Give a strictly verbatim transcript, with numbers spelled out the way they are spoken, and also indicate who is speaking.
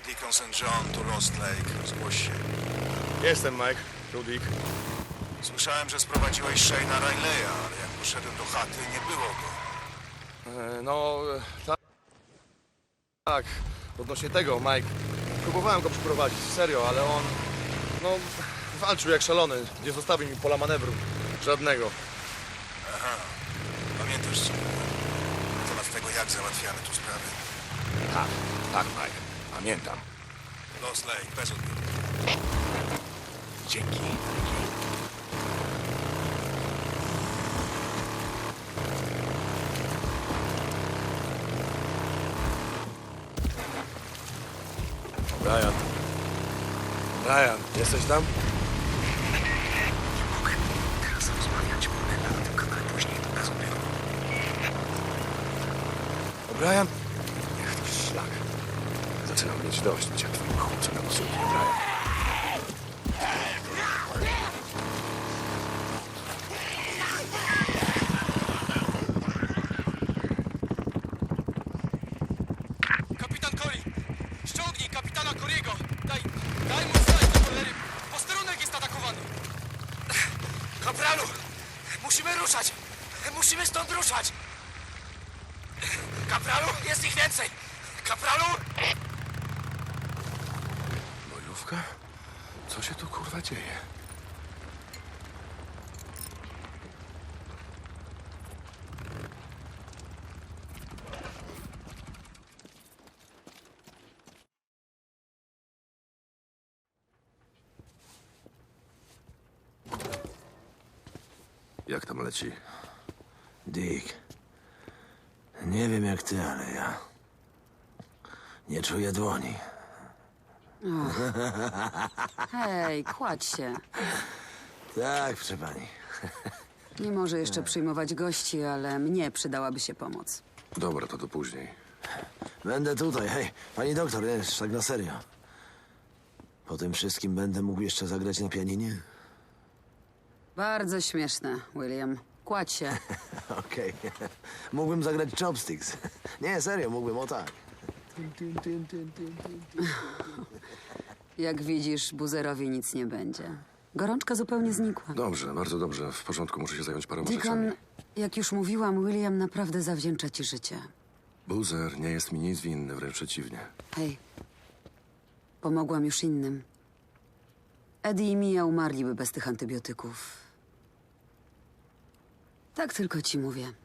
Speaker 1: Deacon saint John to Lost Lake. Zgłoś się.
Speaker 2: Jestem, Mike. Rudik.
Speaker 1: Słyszałem, że sprowadziłeś Shane'a Riley'a, ale jak poszedłem do chaty, nie było go.
Speaker 2: E, no, e, tak. Tak, odnośnie tego, Mike. Próbowałem go przyprowadzić, serio, ale on... No, walczył jak szalony. Nie zostawił mi pola manewru. Żadnego.
Speaker 1: Aha. Pamiętasz, co mówiłem? Na temat tego, jak załatwiamy tu sprawy?
Speaker 3: Tak, tak, Mike. Pamiętam.
Speaker 1: Lost Lake, bez odbioru.
Speaker 3: Dzięki.
Speaker 2: Brian. Brian, jesteś tam?
Speaker 3: Nie mogę teraz rozmawiać, bo na tym kanale później to bez odbioru.
Speaker 2: Brian?
Speaker 3: Niech to szlak. Zaczynam mieć dość bycia twoim chłopcem na posłuchu, Brian.
Speaker 4: Kapitan Cory! Ściągnij kapitana Cory'ego! Daj, daj mu znać do cholery! Posterunek jest atakowany! Kapralu! Musimy ruszać! Musimy stąd ruszać! Kapralu! Jest ich więcej! Kapralu!
Speaker 3: Bojówka? Co się tu kurwa dzieje? Jak tam leci?
Speaker 5: Dick, nie wiem jak ty, ale ja nie czuję dłoni.
Speaker 6: Hej, kładź się.
Speaker 5: Tak, proszę pani.
Speaker 6: Nie może jeszcze przyjmować gości, ale mnie przydałaby się pomoc.
Speaker 3: Dobra, to do później.
Speaker 5: Będę tutaj, hej, pani doktor, wiesz, tak na serio. Po tym wszystkim będę mógł jeszcze zagrać na pianinie?
Speaker 6: Bardzo śmieszne, William. Kładź się.
Speaker 5: Okej. Mógłbym zagrać chopsticks. Nie, serio, mógłbym, o tak.
Speaker 6: Jak widzisz, buzerowi nic nie będzie. Gorączka zupełnie znikła.
Speaker 3: Dobrze, bardzo dobrze. W porządku, muszę się zająć paroma
Speaker 6: Deacon,
Speaker 3: rzeczami.
Speaker 6: jak już mówiłam, William naprawdę zawdzięcza ci życie.
Speaker 3: Buzer nie jest mi nic winny, wręcz przeciwnie.
Speaker 6: Hej, pomogłam już innym. Eddie i Mia umarliby bez tych antybiotyków. Tak tylko ci mówię.